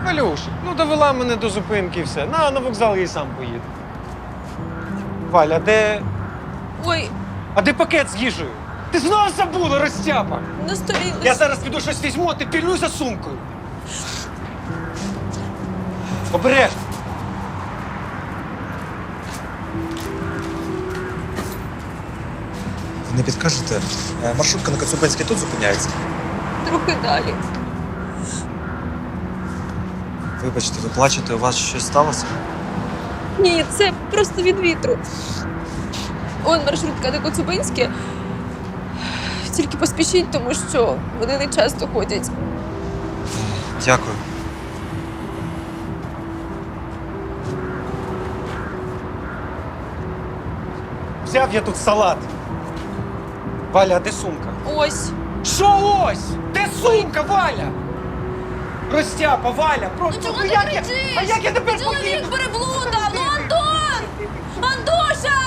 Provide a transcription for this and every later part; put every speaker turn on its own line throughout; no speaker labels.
Валюш, ну довела мене до зупинки і все. На вокзал я й сам поїду. Валя, де...
Ой,
А де пакет з їжею? Ти знову забула, розтяпа!
на столі.
Я зараз піду щось візьму, а ти пільнуй за сумкою. Обережно.
Ви не підкажете? Маршрутка на Коцюбинській тут зупиняється?
Трохи далі.
Вибачте, ви плачете, у вас щось сталося?
Ні, це просто від вітру. Он маршрутка на Коцюбинське. Тільки поспішіть, тому що вони не часто ходять.
Дякую.
Взяв я тут салат. Валя, а де сумка?
Ось.
Що ось? Де сумка, Валя? Розтяпа, Валя, просто...
чого ти
як я...
кричиш?
А як я тепер
Чоловік
поїду?
переблудав! Ну, Антон! Антоша!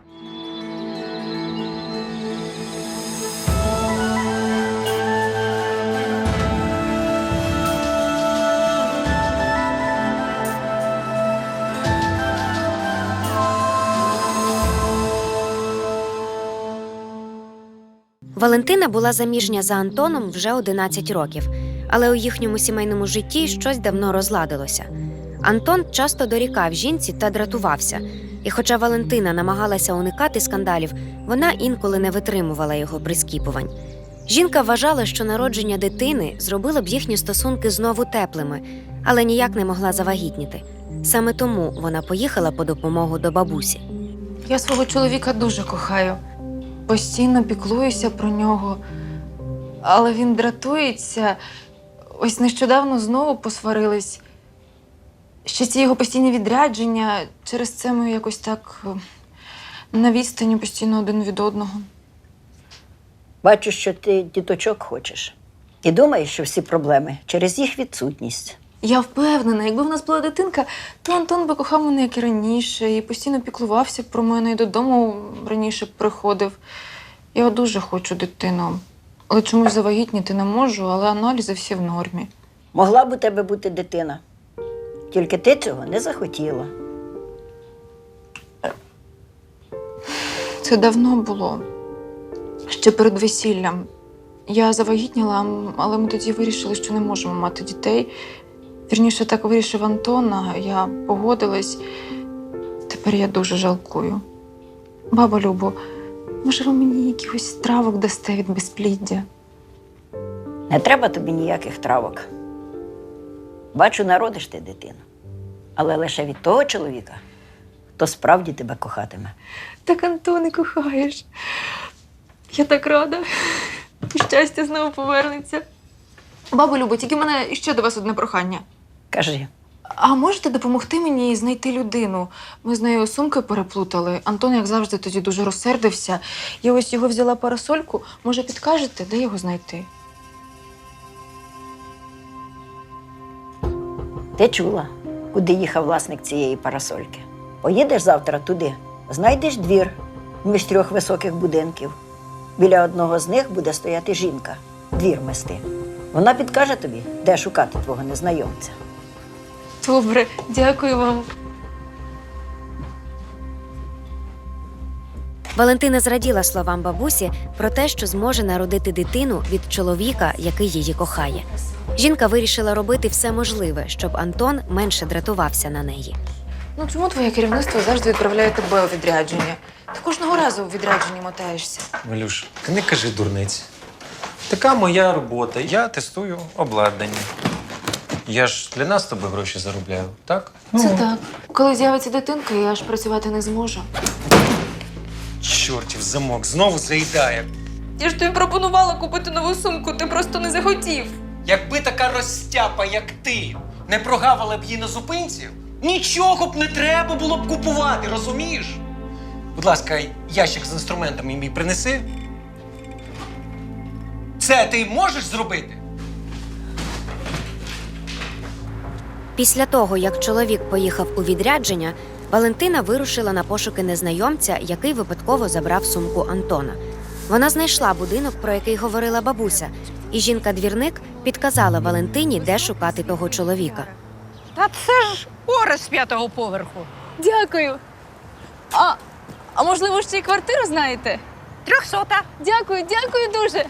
Валентина була заміжня за Антоном вже 11 років, але у їхньому сімейному житті щось давно розладилося. Антон часто дорікав жінці та дратувався. І хоча Валентина намагалася уникати скандалів, вона інколи не витримувала його прискіпувань. Жінка вважала, що народження дитини зробило б їхні стосунки знову теплими, але ніяк не могла завагітніти. Саме тому вона поїхала по допомогу до бабусі.
Я свого чоловіка дуже кохаю. Постійно піклуюся про нього. Але він дратується. Ось нещодавно знову посварились. Ще ці його постійні відрядження. Через це ми якось так на відстані постійно один від одного.
Бачу, що ти діточок хочеш. І думаєш, що всі проблеми через їх відсутність.
Я впевнена, якби в нас була дитинка, то Антон би кохав мене, як і раніше, і постійно піклувався про мене, і додому раніше приходив. Я дуже хочу дитину. Але чомусь завагітніти не можу, але аналізи всі в нормі.
Могла б у тебе бути дитина. Тільки ти цього не захотіла.
Це давно було. Ще перед весіллям. Я завагітніла, але ми тоді вирішили, що не можемо мати дітей. Вірніше, так вирішив Антон, а я погодилась. Тепер я дуже жалкую. Баба Любо, може, ви мені якихось травок дасте від безпліддя?
Не треба тобі ніяких травок. Бачу, народиш ти дитину. Але лише від того чоловіка, хто справді тебе кохатиме.
Так, Антоне, кохаєш. Я так рада. Щастя знову повернеться. Бабу Любо, тільки в мене ще до вас одне прохання.
Кажи.
А можете допомогти мені знайти людину? Ми з нею сумки переплутали. Антон, як завжди, тоді дуже розсердився. Я ось його взяла парасольку. Може, підкажете, де його знайти?
Ти чула, куди їхав власник цієї парасольки? Поїдеш завтра туди, знайдеш двір між 3 високих будинків. Біля одного з них буде стояти жінка, двір мести. Вона підкаже тобі, де шукати твого незнайомця.
Добре, дякую вам.
Валентина зраділа словам бабусі про те, що зможе народити дитину від чоловіка, який її кохає. Жінка вирішила робити все можливе, щоб Антон менше дратувався на неї.
Ну чому твоє керівництво завжди відправляє тебе у відрядження? Ти кожного разу у відрядженні мотаєшся.
Валюш, не кажи дурниць. Така моя робота. Я тестую обладнання. Я ж для нас з тобою гроші заробляю, так?
Це так. Коли з'явиться дитинка, я аж працювати не зможу.
Чортів замок, знову заїдає.
Я ж тобі пропонувала купити нову сумку, ти просто не захотів.
Якби така розтяпа, як ти, не прогавила б її на зупинці, нічого б не треба було б купувати, розумієш? Будь ласка, ящик з інструментами мій принеси. Це ти можеш зробити?
Після того, як чоловік поїхав у відрядження, Валентина вирушила на пошуки незнайомця, який випадково забрав сумку Антона. Вона знайшла будинок, про який говорила бабуся, і жінка-двірник підказала Валентині, де шукати того чоловіка.
Та це ж Орес з 5-го поверху.
Дякую. А можливо, ще й квартиру знаєте?
300-та.
Дякую, дякую дуже.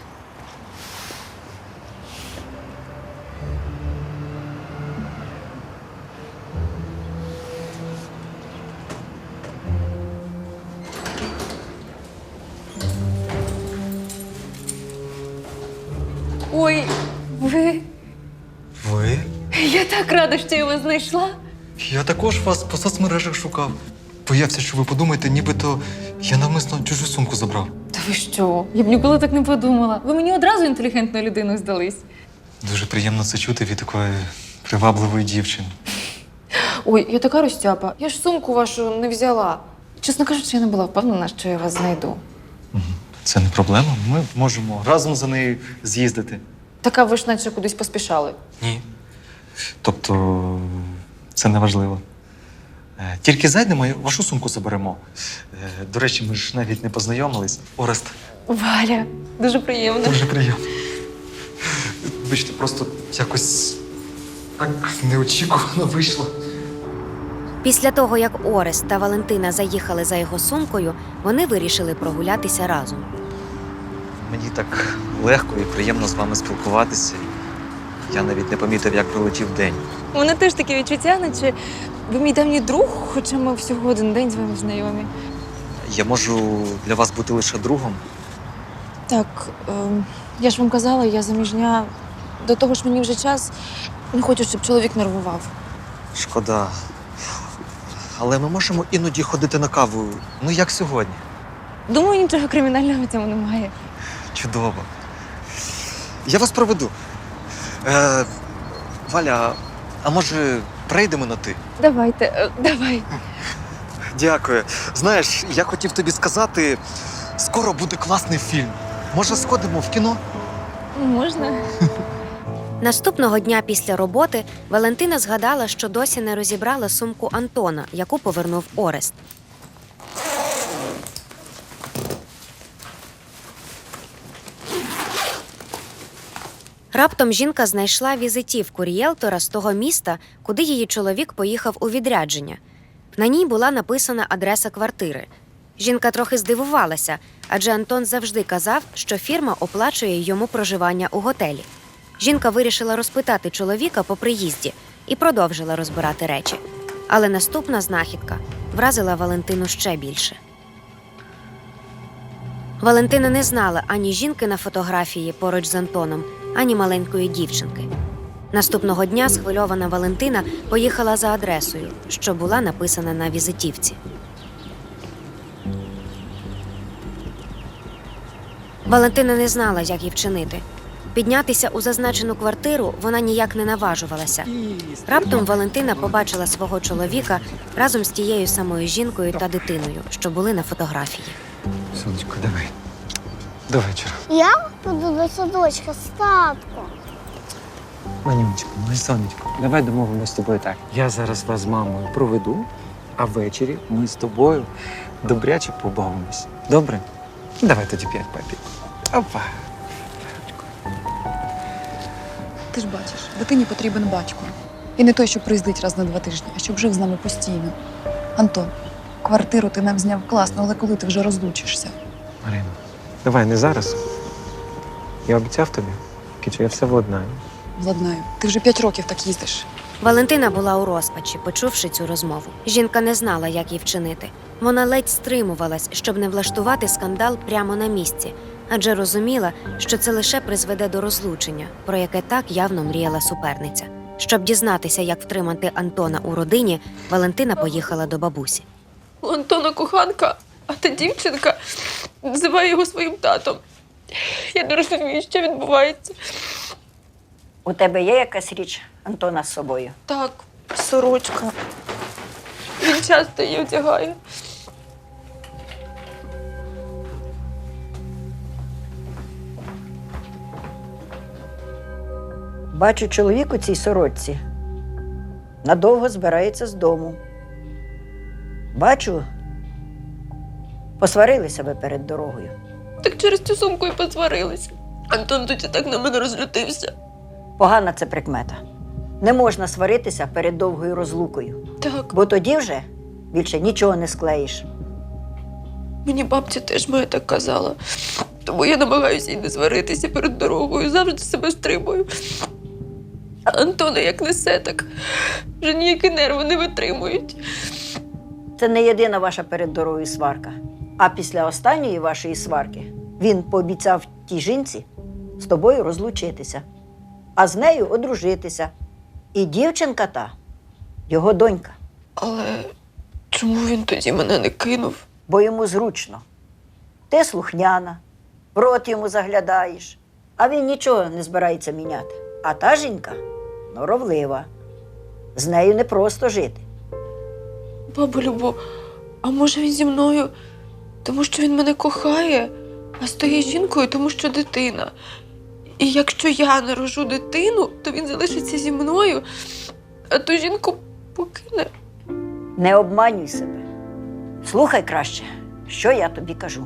Ой, ви.
Ви?
Я так рада, що я вас знайшла.
Я також вас по соцмережах шукав. Боявся, що ви подумаєте, нібито я навмисно чужу сумку забрав.
Та ви що? Я б ніколи так не подумала. Ви мені одразу інтелігентною людиною здались.
Дуже приємно це чути від такої привабливої дівчини.
Ой, я така розтяпа. Я ж сумку вашу не взяла. Чесно кажучи, я не була впевнена, що я вас знайду.
Це не проблема. Ми можемо разом за нею з'їздити.
Така ви ж наче кудись поспішали.
Ні. Тобто, це не важливо. Тільки зайдемо і вашу сумку заберемо. До речі, ми ж навіть не познайомились. Орест,
Валя, дуже приємно.
дуже приємно. Вибачте, просто якось так неочікувано вийшло.
Після того, як Орест та Валентина заїхали за його сумкою, вони вирішили прогулятися разом.
Мені так легко і приємно з вами спілкуватися. Я навіть не помітив, як пролетів день.
У мене теж таке відчуття, наче ви мій давній друг, хоча ми всього один день з вами знайомі.
Я можу для вас бути лише другом.
Так, я ж вам казала, я заміжня. До того ж мені вже час. Не хочу, щоб чоловік нервував.
Шкода. Але ми можемо іноді ходити на каву, ну як сьогодні.
Думаю, нічого кримінального в цьому немає.
Чудово. Я вас проведу. Валя, а може прийдемо на ти?
Давайте, давай.
Дякую. Знаєш, я хотів тобі сказати, скоро буде класний фільм. Може, сходимо в кіно?
Можна?
Наступного дня після роботи Валентина згадала, що досі не розібрала сумку Антона, яку повернув Орест. Раптом жінка знайшла візитівку рієлтора з того міста, куди її чоловік поїхав у відрядження. На ній була написана адреса квартири. Жінка трохи здивувалася, адже Антон завжди казав, що фірма оплачує йому проживання у готелі. Жінка вирішила розпитати чоловіка по приїзді і продовжила розбирати речі. Але наступна знахідка вразила Валентину ще більше. Валентина не знала ані жінки на фотографії поруч з Антоном, ані маленької дівчинки. Наступного дня схвильована Валентина поїхала за адресою, що була написана на візитівці. Валентина не знала, як їй вчинити. Піднятися у зазначену квартиру вона ніяк не наважувалася. Раптом Валентина побачила свого чоловіка разом з тією самою жінкою та дитиною, що були на фотографії.
Сонечко, давай. До вечора.
Я буду до садочка з татком.
Манюнечко, моє сонечко, давай домовимося з тобою так. Я зараз вас з мамою проведу, а ввечері ми з тобою добряче побавимось. Добре? Давай тоді 5 папік. Опа.
Ти ж бачиш, дитині потрібен батько. І не той, що приїздить раз на 2 тижні, а щоб жив з нами постійно. Антон, квартиру ти нам зняв класно, але коли ти вже розлучишся?
Марина, давай не зараз. Я обіцяв тобі, Кічу, я все владнаю.
Владнаю, ти вже 5 років так їздиш.
Валентина була у розпачі, почувши цю розмову. Жінка не знала, як їй вчинити. Вона ледь стримувалась, щоб не влаштувати скандал прямо на місці, адже розуміла, що це лише призведе до розлучення, про яке так явно мріяла суперниця. Щоб дізнатися, як втримати Антона у родині, Валентина поїхала до бабусі.
У Антона коханка, а та дівчинка називає його своїм татом. Я не розумію, що відбувається.
У тебе є якась річ Антона з собою?
Так, сорочка. Він часто її одягає.
Бачу, чоловік у цій сорочці надовго збирається з дому. Бачу, посварилися ви перед дорогою.
Так через цю сумку і посварилися. Антон тоді так на мене розлютився.
Погана це прикмета. Не можна сваритися перед довгою розлукою,
Так,
бо тоді вже більше нічого не склеїш.
мені бабця теж моя так казала. Тому я намагаюся й не сваритися перед дорогою, завжди себе стримую. А Антона як несе, так вже ніякі нерви не витримують.
Це не єдина ваша перед дорогою сварка. А після останньої вашої сварки він пообіцяв тій жінці з тобою розлучитися, а з нею одружитися. І дівчинка та його донька,
Але чому він тоді мене не кинув?
бо йому зручно. Ти слухняна, в рот йому заглядаєш, а він нічого не збирається міняти. А та жінка норовлива. З нею не просто жити.
Бабу Любо, а може він зі мною, тому що він мене кохає, а з тією жінкою, тому що дитина. І якщо я народжу дитину, то він залишиться зі мною, а ту жінку покине.
Не обманюй себе. Слухай краще, що я тобі кажу.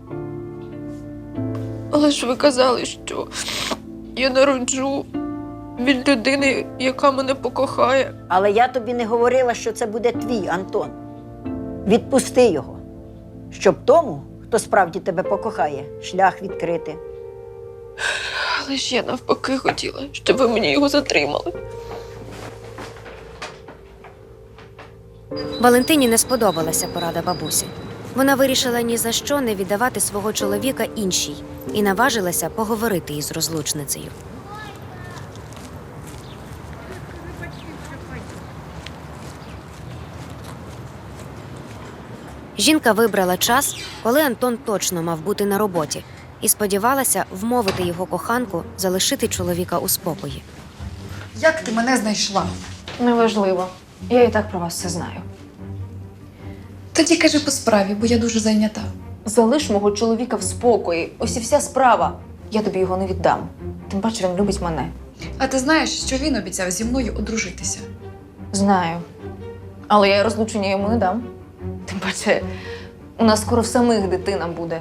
Але ж ви казали, що я народжу від людини, яка мене покохає.
Але я тобі не говорила, що це буде твій Антон. Відпусти його, щоб тому, хто справді тебе покохає, шлях відкрити.
Але ж я навпаки хотіла, щоб ви мені його затримали.
Валентині не сподобалася порада бабусі. Вона вирішила ні за що не віддавати свого чоловіка іншій і наважилася поговорити із розлучницею. Жінка вибрала час, коли Антон точно мав бути на роботі, і сподівалася вмовити його коханку залишити чоловіка у спокої.
Як ти мене знайшла?
Неважливо. Я і так про вас все знаю.
Тоді кажи по справі, бо я дуже зайнята.
Залиш мого чоловіка в спокої. Ось і вся справа. Я тобі його не віддам. Тим паче він любить мене.
А ти знаєш, що він обіцяв зі мною одружитися?
Знаю. Але я розлучення йому не дам. Тим паче, у нас скоро в самих дитина буде.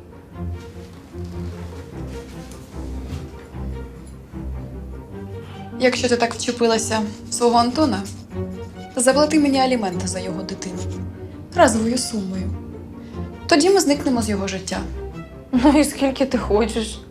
Якщо ти так вчепилася в свого Антона, то заплати мені аліменти за його дитину. Разовою сумою. Тоді ми зникнемо з його життя.
Ну і скільки ти хочеш?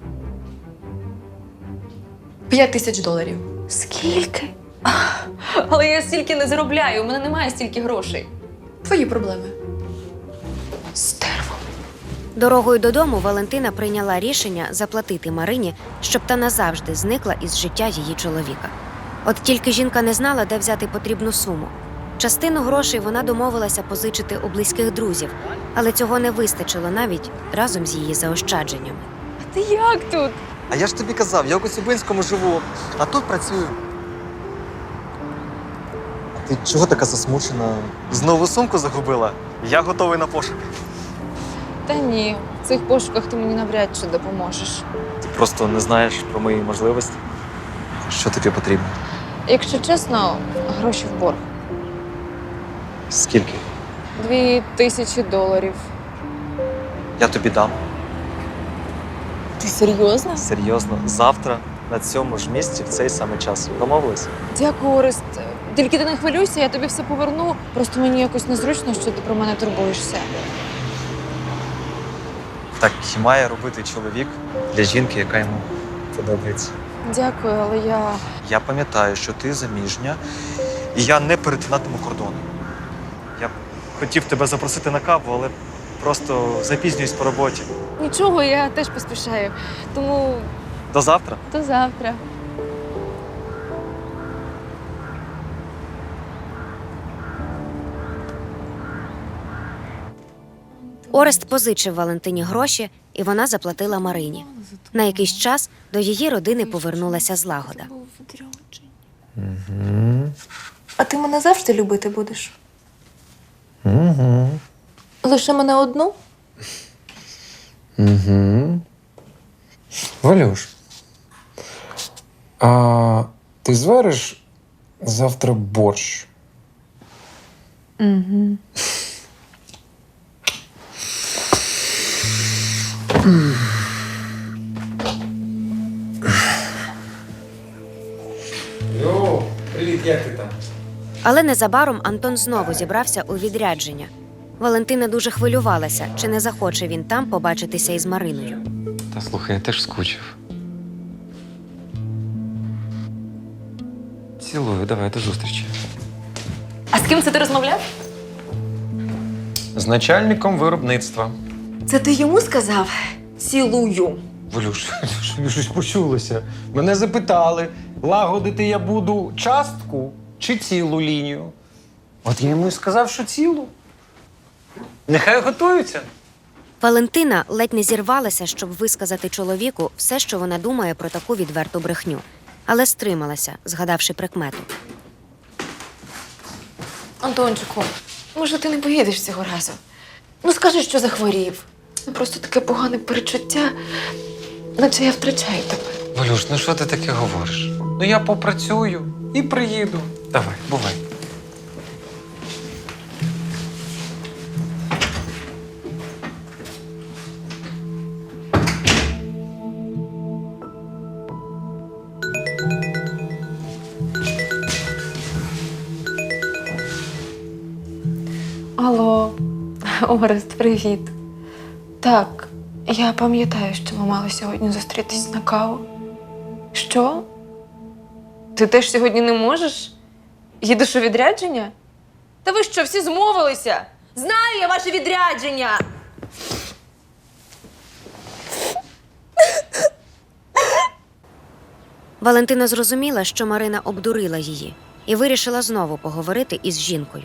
$5000.
Скільки? Але я стільки не заробляю, у мене немає стільки грошей.
Твої проблеми.
Стерво.
Дорогою додому Валентина прийняла рішення заплатити Марині, щоб та назавжди зникла із життя її чоловіка. От тільки жінка не знала, де взяти потрібну суму. Частину грошей вона домовилася позичити у близьких друзів, але цього не вистачило навіть разом з її заощадженнями.
А ти як тут?
А я ж тобі казав, я у Коцюбинському живу, а тут працюю. А ти чого така засмучена? Знову сумку загубила? Я готовий на пошук.
Та ні, в цих пошуках ти мені навряд чи допоможеш.
Ти просто не знаєш про мої можливості. Що тобі потрібно?
Якщо чесно, гроші в борг.
Скільки?
$2000.
Я тобі дам.
Ти серйозно?
Серйозно. Завтра на цьому ж місці в цей самий час. Домовились?
Дякую, Орест. Тільки ти не хвилюйся, я тобі все поверну. Просто мені якось незручно, що ти про мене турбуєшся.
Так і має робити чоловік для жінки, яка йому подобається.
Дякую, але я...
Я пам'ятаю, що ти заміжня, і я не перетинатиму кордону. Я б хотів тебе запросити на каву, але просто запізнююсь по роботі.
Нічого, я теж поспішаю. Тому
До завтра.
до завтра.
Орест позичив Валентині гроші, і вона заплатила Марині. На якийсь час до її родини повернулася злагода.
А ти мене завжди любити будеш?
Угу.
Лише мене одну?
Угу. Валюш, а ти звариш завтра борщ?
Угу.
Привіт, як ти там?
Але незабаром Антон знову зібрався у відрядження. Валентина дуже хвилювалася, чи не захоче він там побачитися із Мариною.
Та слухай, я теж скучив. Цілую, давай, до зустрічі.
А з ким це ти розмовляв?
З начальником виробництва.
Це ти йому сказав? Цілую.
Валюш, щось почулося. Мене запитали, лагодити я буду частку чи цілу лінію. От я йому і сказав, що цілу. Нехай готуються.
Валентина ледь не зірвалася, щоб висказати чоловіку все, що вона думає про таку відверту брехню. Але стрималася, згадавши прикмету.
Антончику, може ти не поїдеш цього разу? Ну скажи, що захворів. Просто таке погане перечуття, наче я втрачаю тебе.
Валюш, ну що ти таке говориш? Ну я попрацюю і приїду. Давай, бувай.
Алло, Орест, привіт. Так, я пам'ятаю, що ми мали сьогодні зустрітись на каву. Що? Ти теж сьогодні не можеш? Їдеш у відрядження? Та ви що, всі змовилися? Знаю я ваше відрядження!
Валентина зрозуміла, що Марина обдурила її, і вирішила знову поговорити із жінкою.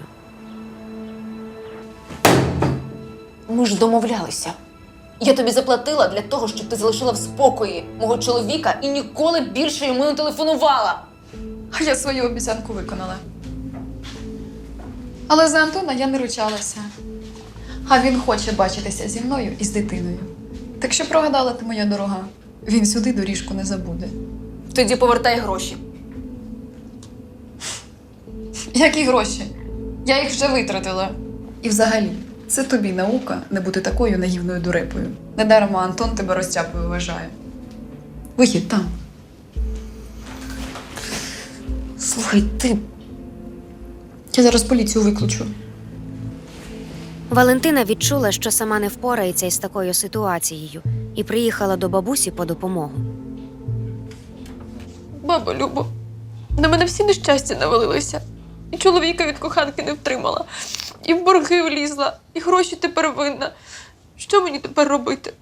Ми ж домовлялися. Я тобі заплатила для того, щоб ти залишила в спокої мого чоловіка і ніколи більше йому не телефонувала.
А я свою обіцянку виконала. Але за Антона я не ручалася. А він хоче бачитися зі мною і з дитиною. Так що прогадала ти, моя дорога. Він сюди доріжку не забуде.
Тоді повертай гроші.
Які гроші? Я їх вже витратила. І взагалі, це тобі наука не бути такою наївною дурепою. Недаром Антон тебе розтяпою вважає. Вихід там.
Слухай, ти.
Я зараз поліцію викличу.
Валентина відчула, що сама не впорається із такою ситуацією, і приїхала до бабусі по допомогу.
Баба Любо, на мене всі нещастя навалилися. І чоловіка від коханки не втримала, і в борги влізла, і гроші тепер винна. Що мені тепер робити?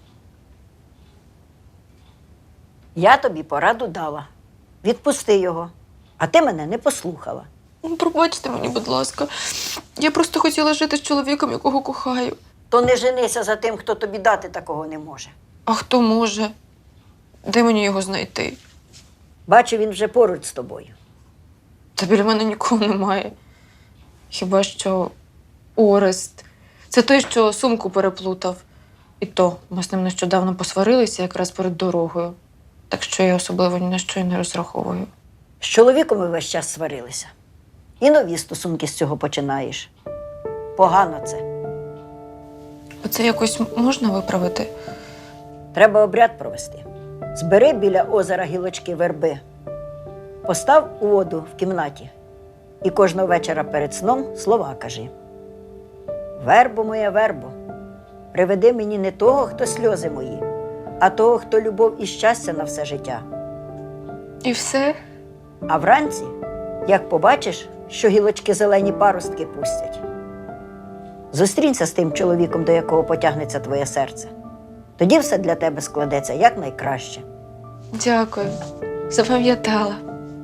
Я тобі пораду дала. Відпусти його. А ти мене не послухала.
Ну, пробачте мені, будь ласка. Я просто хотіла жити з чоловіком, якого кохаю.
То не женися за тим, хто тобі дати такого не може.
А хто може? Де мені його знайти?
Бачу, він вже поруч з тобою.
Та біля мене нікого немає. Хіба що Орест. Це той, що сумку переплутав. І то ми з ним нещодавно посварилися якраз перед дорогою. Так що я особливо ні на що й не розраховую.
З чоловіком ви весь час сварилися. І нові стосунки з цього починаєш. Погано це.
Оце якось можна виправити?
Треба обряд провести. Збери біля озера гілочки верби. Постав у воду в кімнаті. І кожного вечора перед сном слова кажи. Вербо моя, вербо, приведи мені не того, хто сльози мої, а того, хто любов і щастя на все життя.
І все?
А вранці, як побачиш, що гілочки зелені паростки пустять, зустрінься з тим чоловіком, до якого потягнеться твоє серце. Тоді все для тебе складеться якнайкраще.
Дякую. Запам'ятала.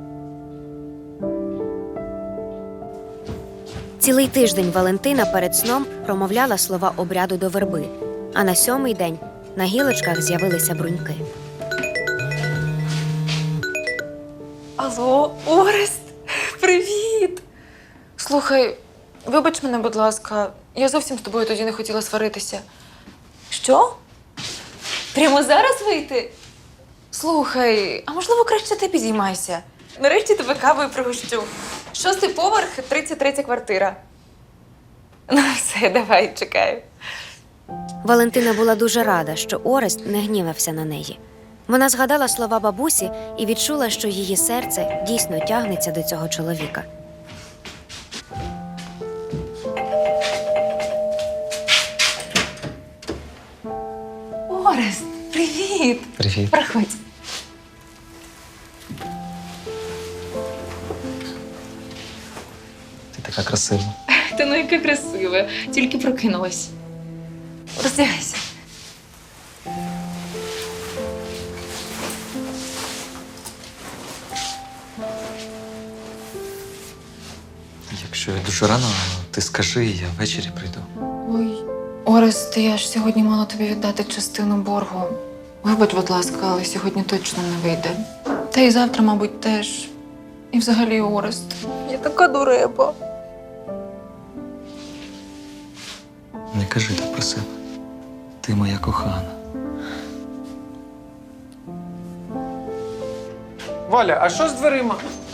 Цілий тиждень Валентина перед сном промовляла слова обряду до верби, а на 7-й день на гілочках з'явилися бруньки.
Алло, Орест, привіт! Слухай, вибач мене, будь ласка, я зовсім з тобою тоді не хотіла сваритися. Що? Прямо зараз вийти? Слухай, а можливо краще ти підіймайся? Нарешті тебе кавою пригощу. 6-й поверх, 33-я квартира. Ну все, давай, чекаю.
Валентина була дуже рада, що Орест не гнівався на неї. Вона згадала слова бабусі і відчула, що її серце дійсно тягнеться до цього чоловіка.
Орест, привіт!
Привіт.
Проходь.
Ти така красива.
Та ну яка красива, тільки прокинулась. Роздягайся.
Якщо я дуже рано, ти скажи, я ввечері прийду.
Ой, Орест, я ж сьогодні мала тобі віддати частину боргу. Вибач, будь ласка, але сьогодні точно не вийде. Та й завтра, мабуть, теж. І взагалі, Орест, я така дурепа.
Не кажи так про себе. Ти моя кохана.
Валя, а що з дверима?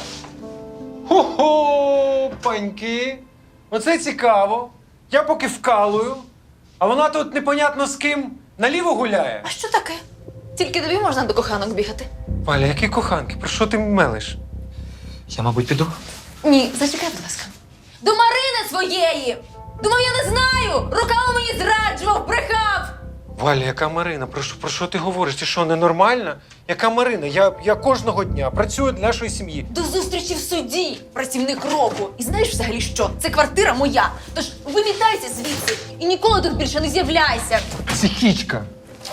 Хо-хо, паньки. Оце цікаво. Я поки вкалую, а вона тут непонятно з ким наліво гуляє.
А що таке? Тільки тобі можна до коханок бігати?
Валя, які коханки? Про що ти мелиш?
Я, мабуть, піду.
Ні, зачекай, будь ласка. До Марини своєї! Думав, я не знаю! Руками мені зраджував, брехав!
Валя, яка Марина? Про що ти говориш? Ти що, ненормальна? Яка Марина? Я кожного дня працюю для нашої сім'ї.
До зустрічі в суді, працівник року. І знаєш взагалі що? Це квартира моя. Тож вимітайся звідси і ніколи тут більше не з'являйся.
Психічка.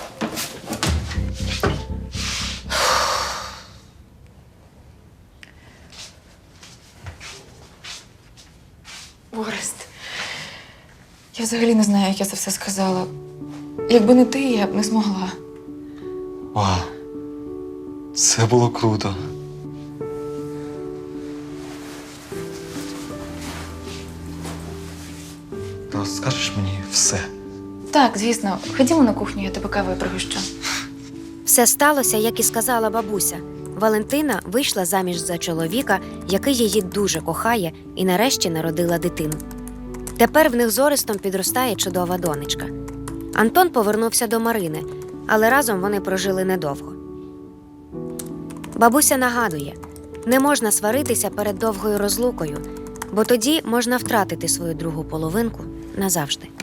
Орест, я взагалі не знаю, як я це все сказала. Якби не ти, я б не змогла.
Вау. Це було круто. То скажеш мені все.
Так, звісно. Ходімо на кухню, я тебе кавою пригощу.
Все сталося, як і сказала бабуся. Валентина вийшла заміж за чоловіка, який її дуже кохає, і нарешті народила дитину. Тепер в них з Орестом підростає чудова донечка. Антон повернувся до Марини, але разом вони прожили недовго. Бабуся нагадує, не можна сваритися перед довгою розлукою, бо тоді можна втратити свою другу половинку назавжди.